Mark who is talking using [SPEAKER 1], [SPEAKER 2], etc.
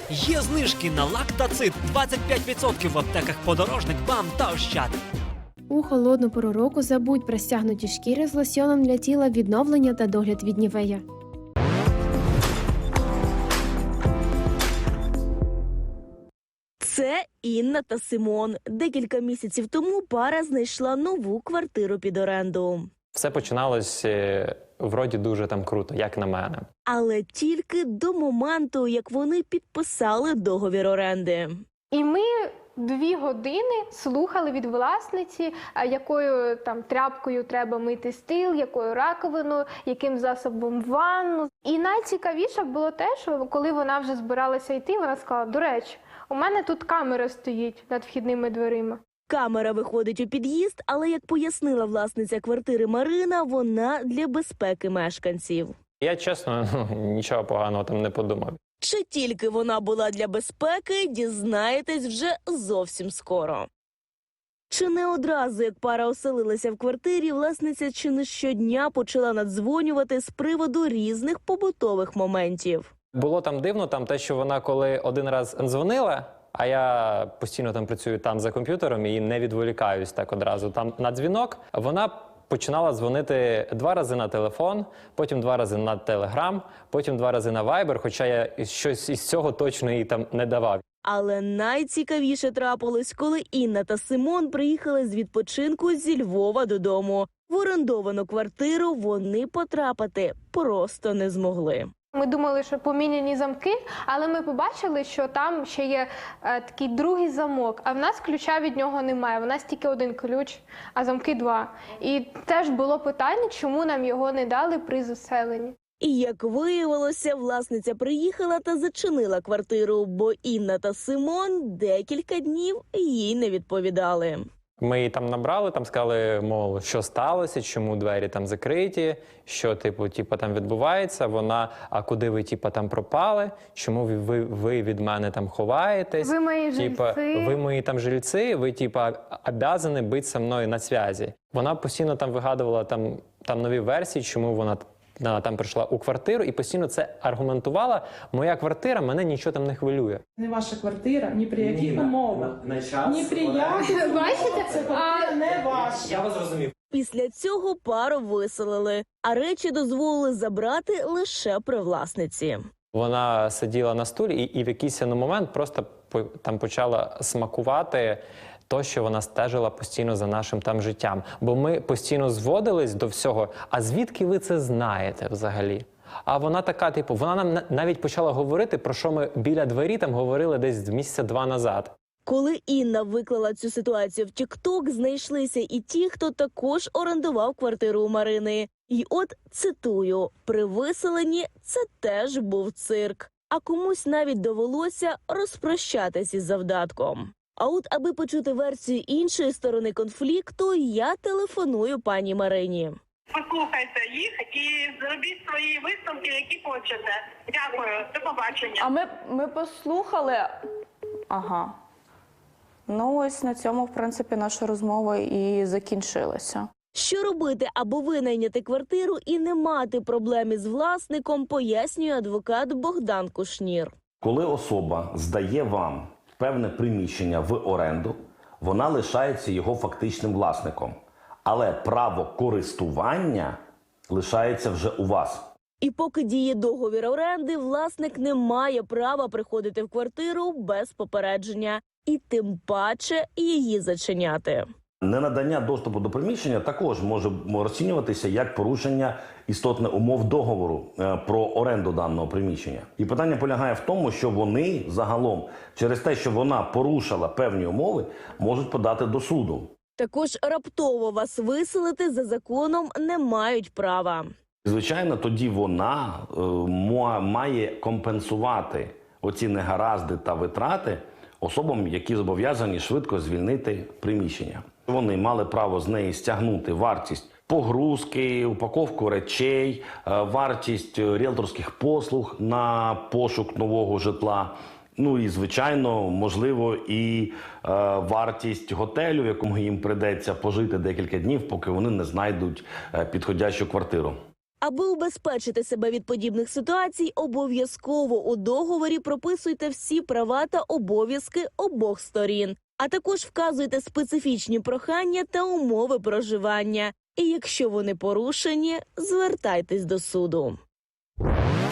[SPEAKER 1] Є знижки на лактацит 25% в аптеках «Подорожник», «БАМ» та «Ощад».
[SPEAKER 2] У холодну пору року забудь про стягнуті шкіри з лосьоном для тіла, відновлення та догляд від Нівея.
[SPEAKER 3] Це Інна та Симон. Декілька місяців тому пара знайшла нову квартиру під оренду.
[SPEAKER 4] Все починалось вроді дуже там круто, як на мене.
[SPEAKER 3] Але тільки до моменту, як вони підписали договір оренди.
[SPEAKER 5] І ми 2 години слухали від власниці, якою там тряпкою треба мити стіл, якою раковиною, яким засобом ванну. І найцікавіше було те, що коли вона вже збиралася йти, вона сказала: до речі, у мене тут камера стоїть над вхідними дверима.
[SPEAKER 3] Камера виходить у під'їзд, але, як пояснила власниця квартири Марина, вона для безпеки мешканців.
[SPEAKER 4] Я, чесно, нічого поганого там не подумав.
[SPEAKER 3] Чи тільки вона була для безпеки, дізнаєтесь вже зовсім скоро. Чи не одразу, як пара оселилася в квартирі, власниця чи не щодня почала наддзвонювати з приводу різних побутових моментів.
[SPEAKER 4] Було там дивно, там те, що вона коли один раз дзвонила, а я постійно там працюю там за комп'ютером і не відволікаюсь так одразу там на дзвінок, вона починала дзвонити 2 рази на телефон, потім 2 рази на Телеграм, потім 2 рази на Вайбер, хоча я щось із цього точно їй там не давав.
[SPEAKER 3] Але найцікавіше трапилось, коли Інна та Симон приїхали з відпочинку зі Львова додому. В орендовану квартиру вони потрапити просто не змогли.
[SPEAKER 5] Ми думали, що поміняні замки, але ми побачили, що там ще є такий другий замок, а в нас ключа від нього немає. В нас тільки 1 ключ, а замки 2. І теж було питання, чому нам його не дали при заселенні.
[SPEAKER 3] І, як виявилося, власниця приїхала та зачинила квартиру, бо Інна та Симон декілька днів їй не відповідали.
[SPEAKER 4] Ми її там набрали, там сказали, мов, що сталося, чому двері там закриті, що типу там відбувається. Вона: а куди ви там пропали? Чому ви від мене там ховаєтесь?
[SPEAKER 5] Ви мої жильці.
[SPEAKER 4] Ви мої там жильці, ви обязані бути зі мною на зв'язі. Вона постійно там вигадувала там нові версії, чому вона там прийшла у квартиру, і постійно це аргументувала: моя квартира, мене нічого там не хвилює.
[SPEAKER 6] Не ваша квартира, ні при яких умовах.
[SPEAKER 4] На час.
[SPEAKER 6] Ні при яких.
[SPEAKER 5] Бачите?
[SPEAKER 6] Це квартира не ваша.
[SPEAKER 4] Я вас зрозумів.
[SPEAKER 3] Після цього пару виселили, а речі дозволили забрати лише при власниці.
[SPEAKER 4] Вона сиділа на стулі і в якийсь момент просто там почала смакувати то, що вона стежила постійно за нашим там життям. Бо ми постійно зводились до всього: а звідки ви це знаєте взагалі? А вона така, вона нам навіть почала говорити, про що ми біля двері там говорили десь місяця 2 назад.
[SPEAKER 3] Коли Інна виклала цю ситуацію в TikTok, знайшлися і ті, хто також орендував квартиру у Марини. І от, цитую, при виселенні це теж був цирк. А комусь навіть довелося розпрощатись із завдатком. А от, аби почути версію іншої сторони конфлікту, я телефоную пані Марині.
[SPEAKER 7] Послухайте їх і зробіть свої висновки, які хочете. Дякую, до побачення.
[SPEAKER 8] А ми послухали. Ага. Ну ось на цьому, в принципі, наша розмова і закінчилася.
[SPEAKER 3] Що робити, аби винайняти квартиру і не мати проблем із власником, пояснює адвокат Богдан Кушнір.
[SPEAKER 9] Коли особа здає вам певне приміщення в оренду, вона лишається його фактичним власником. Але право користування лишається вже у вас.
[SPEAKER 3] І поки діє договір оренди, власник не має права приходити в квартиру без попередження. І тим паче її зачиняти.
[SPEAKER 9] Ненадання доступу до приміщення також може розцінюватися як порушення істотних умов договору про оренду даного приміщення. І питання полягає в тому, що вони загалом через те, що вона порушила певні умови, можуть подати до суду.
[SPEAKER 3] Також раптово вас виселити за законом не мають права.
[SPEAKER 9] Звичайно, тоді вона має компенсувати оці негаразди та витрати особам, які зобов'язані швидко звільнити приміщення. Вони мали право з неї стягнути вартість погрузки, упаковку речей, вартість ріелторських послуг на пошук нового житла. Ну і, звичайно, можливо, і вартість готелю, в якому їм прийдеться пожити декілька днів, поки вони не знайдуть підходящу квартиру.
[SPEAKER 3] Аби убезпечити себе від подібних ситуацій, обов'язково у договорі прописуйте всі права та обов'язки обох сторін, а також вказуйте специфічні прохання та умови проживання. І якщо вони порушені, звертайтесь до суду.